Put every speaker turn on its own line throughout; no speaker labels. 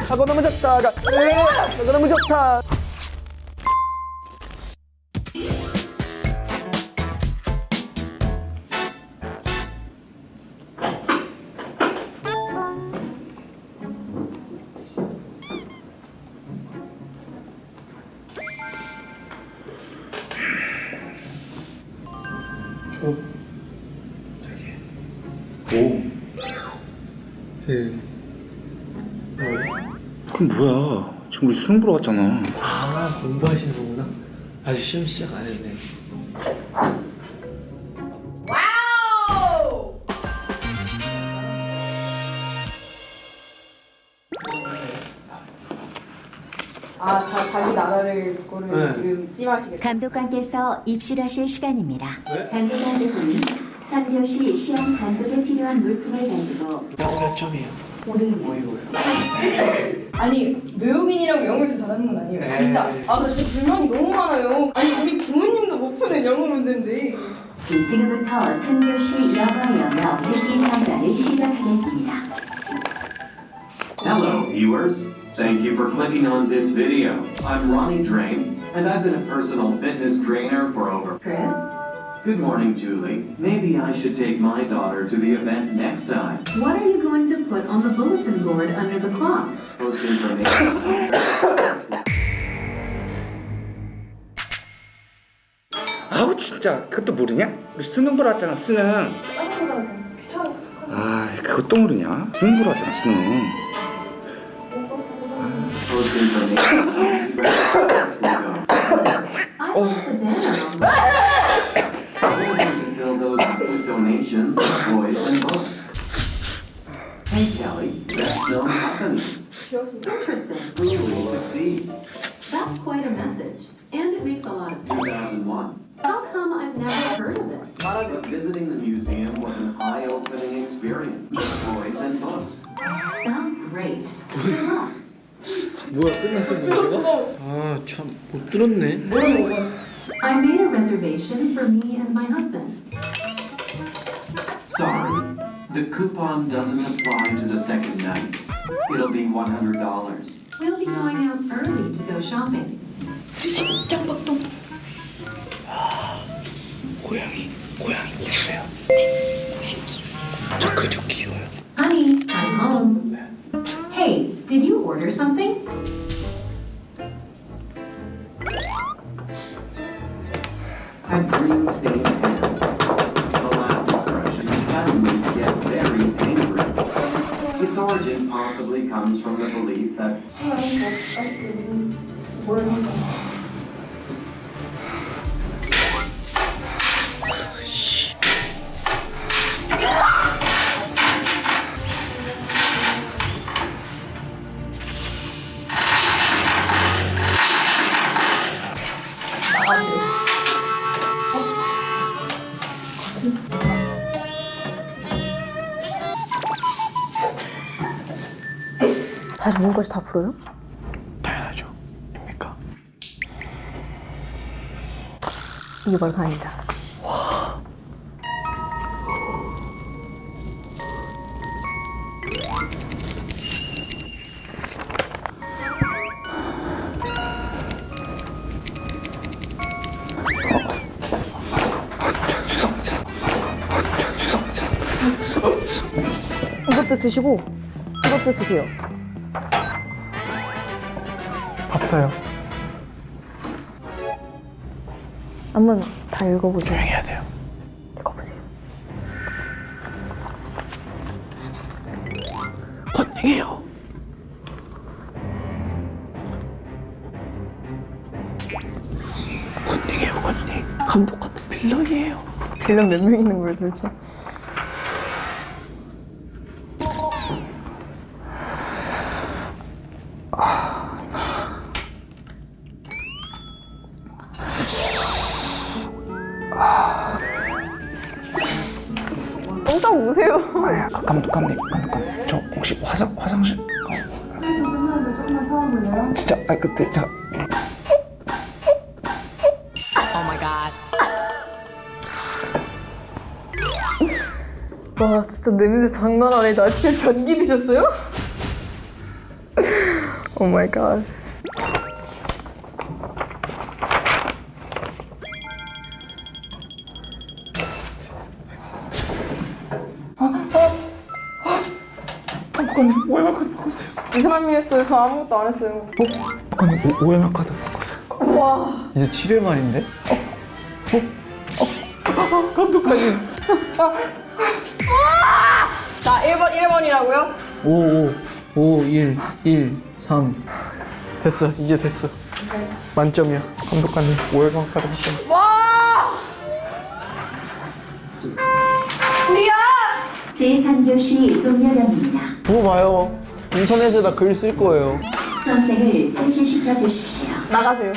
하고 너무 좋다가 하고 너무 좋다.
그럼 뭐야? 지금 우리 수능 보러 왔잖아.
아, 공부하시는 거구나. 아직 시험 시작 안 했네.
와우! 아, 자기 나라를 거를
네.
지금 찜하시겠다.
감독관께서 입실하실 시간입니다.
네?
감독관께서는 3교시 시험 감독에 필요한 물품을 가지고
몇 점이에요?
오는 모의고사. 아니, 외국인이라고 영어를 더 잘하는 건 아니에요. 진짜. 아, 나 진짜 불만이 너무 많아요. 아니, 우리 부모님도 못 푸는 영어 문제인데.
지금부터 3교시 영어 듣기 평가를 시작하겠습니다.
Hello, viewers. Thank you for clicking on this video. I'm Ronnie Drain, and I've been a personal fitness trainer for over...
Chris?
Good morning, Julie. Maybe I should take my daughter to the event next time.
What are you going to put on the bulletin board under the clock?
Post information.
아우 진짜 그것도 모르냐? 우리 수능 보러 왔잖아 수능. 아 그것도 모르냐? 수능 보러 왔잖아 수능.
Post information.
I put the banner on
Or you can fill those up with donations of toys and books. Hey, Kelly. Best known companies.
Interesting.
Who will succeed?
That's quite a message. And it makes a lot of sense.
2001.
How come I've never heard of it?
But visiting the museum was an eye-opening experience. Toys and books.
Sounds great. Good luck.
뭐야, 끝났어 문제가? 아, 참 못 들었네.
I made a reservation for me and my husband.
Sorry, the coupon doesn't apply to the second night. It'll be $100.
We'll be going out early to go shopping.
고양이 키우세요? 저 그저 키워요.
Honey, I'm home. Hey, did you order something?
Had green stained hands. The last expression suddenly get very angry. Its origin possibly comes from the belief that
다시 문까지 다 풀어요?
당연하죠. 입니까?
이게 바로 다행이다. 이것도 쓰시고 이것도 쓰세요.
밥 사요.
한번 다 읽어보세요.
해야 돼요.
읽어보세요.
컨닝해요. 컨닝해요, 컨닝. 감독한테 빌런이에요.
빌런 몇 명 있는 거예요 도대체? 똥딱 우세요.
감독관님 저 혹시 화장실
조금만 참아볼래요?
진짜 그때 저
와 진짜 냄새 장난 아니다. 아침에 변기 드셨어요? Oh my god.
오해마 카드 바꿨어요.
이상한 일 했어요. 저 아무것도 안 했어요.
오해마 카드.
와.
이제 7회 말인데? 감독관님.
자, 1번이라고요?
5, 1, 1, 3. 됐어, 이제 됐어. 만점이야. 감독관님, 5회만 받으시면.
와! 우리야!
제3교시 종료령입니다.
그거 봐요. 인터넷에다 글 쓸 거예요.
수험생을 퇴실시켜 주십시오.
나가세요.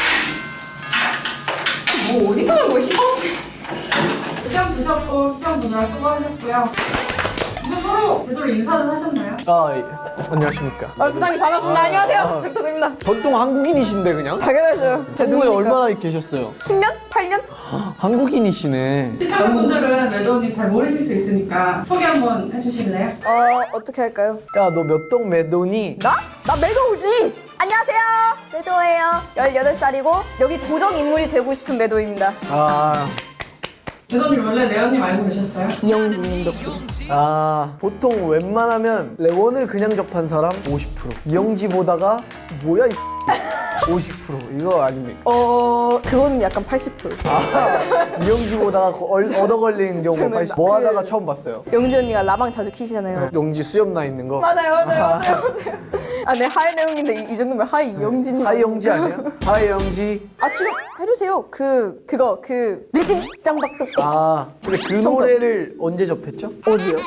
뭐 어디서 난 거야, 희망지?
시험 보셨고 시험 보느라 수고하셨고요. 이제 서로 제대로 인사는 하셨나요?
아, 예. 안녕하십니까.
부장님 반갑습니다. 안녕하세요. 잘 부탁드립니다.
전통 한국인이신데, 그냥?
당연하죠.
한국에 얼마나 계셨어요?
10년? 8년?
한국인이시네.
시청자분들은 매도님 잘 모르실 수 있으니까 소개 한번 해주실래요?
어떻게 할까요?
야, 너 몇 동 매도니?
나? 나 매도우지! 안녕하세요. 매도예요. 18살이고 여기 고정 인물이 되고 싶은 매도입니다.
아,
매도님 원래 레언님 알고 계셨어요?
이영진 님도.
보통 웬만하면 레원을 그냥 접한 사람 50%. 이영지 보다가, 뭐야, 이 50%. 이거 아닙니까?
그건 약간 80%.
이영지 보다가 얻어 걸리는 경우가
저는
80%. 뭐 하다가 처음 봤어요.
영지 언니가 라방 자주 키시잖아요.
영지 수염 나 있는 거.
맞아요. 아, 네, 하이 내용인데 이 정도면 하이 이영진이.
하이 영지 아니야? 하이 영지.
아, 지금 해주세요. 그거 느심 짱박도.
근데 그 노래를 언제 접했죠?
어디요?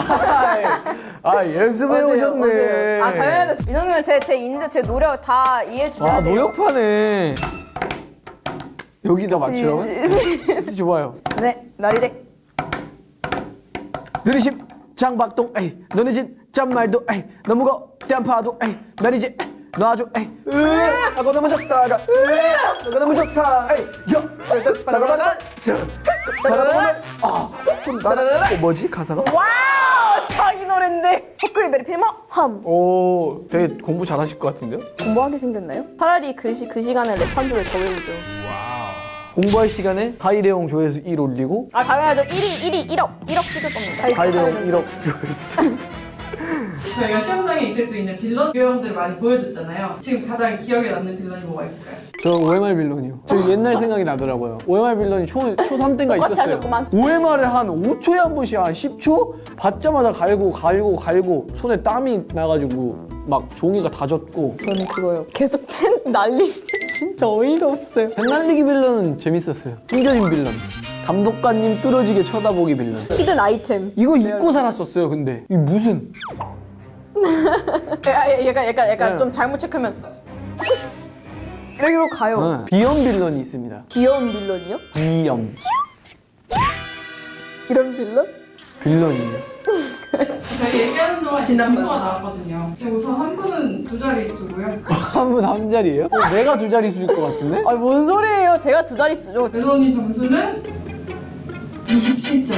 연습해 오셨네.
아, 당연하죠. 이 정도면 제 인재, 제 노력 다 이해해 주셔야 돼요.
노력파네. 여기다 맞추라고? 좋아요.
네, 나리제.
느리심 장박동 에이 너네 집 짠말도 에이 너무 거대한 파도 에이 나리지 너 아주 에이 하고 너무 좋다가 너가 너무 좋다 에이 나가다가 나가보는 뭐지 가사가?
와우, 자기 노랜데. 헛구이 베리 필머 함.
오 되게 공부 잘하실 것 같은데요?
공부하게 생겼나요? 차라리 그 시간에 랩 한 줄을 더 외우죠.
공부할 시간에 하이레용 조회수 1 올리고
아, 당연하죠. 1억 찍을 겁니다.
하이레용 1억 조회수
저희가 시험장에 있을 수 있는 빌런 유형들을 많이 보여줬잖아요. 지금 가장 기억에 남는 빌런이 뭐가 있을까요?
저 OMR 빌런이요. 저 옛날 생각이 나더라고요. OMR 빌런이 초3 때가
똑같이
있었어요.
하셨구만.
OMR을 한 5초에 한 번씩 한 10초? 받자마자 갈고 손에 땀이 나가지고 막 종이가 다 젖고.
저는 그거요. 계속 팬 날리는 게 진짜 어이가 없어요.
펜 날리기 빌런은 재밌었어요. 숨겨진 빌런. 감독관님 뚫어지게 쳐다보기 빌런.
히든 아이템.
이거 잊고 살았었어요, 근데. 이게 무슨.
약간 좀 잘못 체크하면 이러고 가요.
비염 빌런이 있습니다.
귀여운 빌런이요?
비염.
이런 빌런?
빌런이에요.
저희 얘기하는 동안 점수가 나왔거든요. 지금 우선 한 분은 2자릿수고요.
한 분 한 자리예요? 내가 두 자릿수일 것 같은데?
아니, 뭔 소리예요? 제가 두 자릿수죠.
매도님 점수는 27점.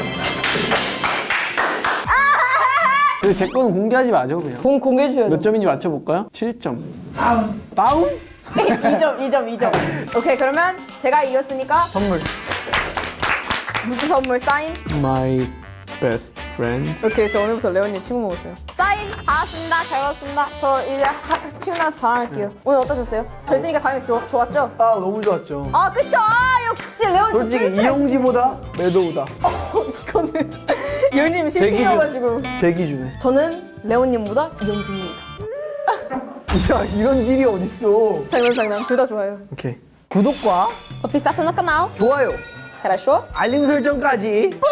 근데 제 거는 공개하지 마죠, 그냥.
공개해 주셔야죠.
몇 점인지 맞춰볼까요? 7점.
다음.
다운?
2점. 오케이, 그러면 제가 이겼으니까
선물.
무슨 선물? 사인?
My best friend.
오케이, 저 오늘부터 레온님 친구 먹었어요. 사인 받았습니다. 잘 받았습니다. 저 이제 친구들한테 자랑할게요. 오늘 어떠셨어요? 저 있으니까 당연히 좋았죠?
아, 너무 좋았죠.
아, 그쵸? 역시 레온
솔직히 이영지보다 매도우다.
이거는 이영님 실친이어가지고.
제 기준에.
저는 레온님보다 이영진입니다.
야, 이런 일이 어딨어.
장난. 둘 다 좋아요.
오케이. 구독과
비싸서 나 까나요?
좋아요,
хорошо?
알림 설정까지
뿅뿅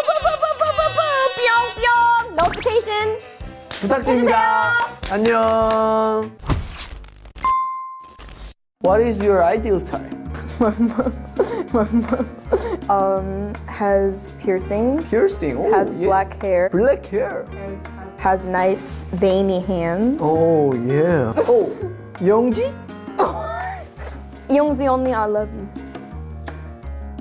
노티피케이션
부탁드립니다. 안녕. What is your ideal type?
has piercings,
Piercing. Oh,
has
yeah.
black hair,
Black hair.
has nice veiny hands.
Oh, yeah. Oh, 영지?
이영지 언니, I love you.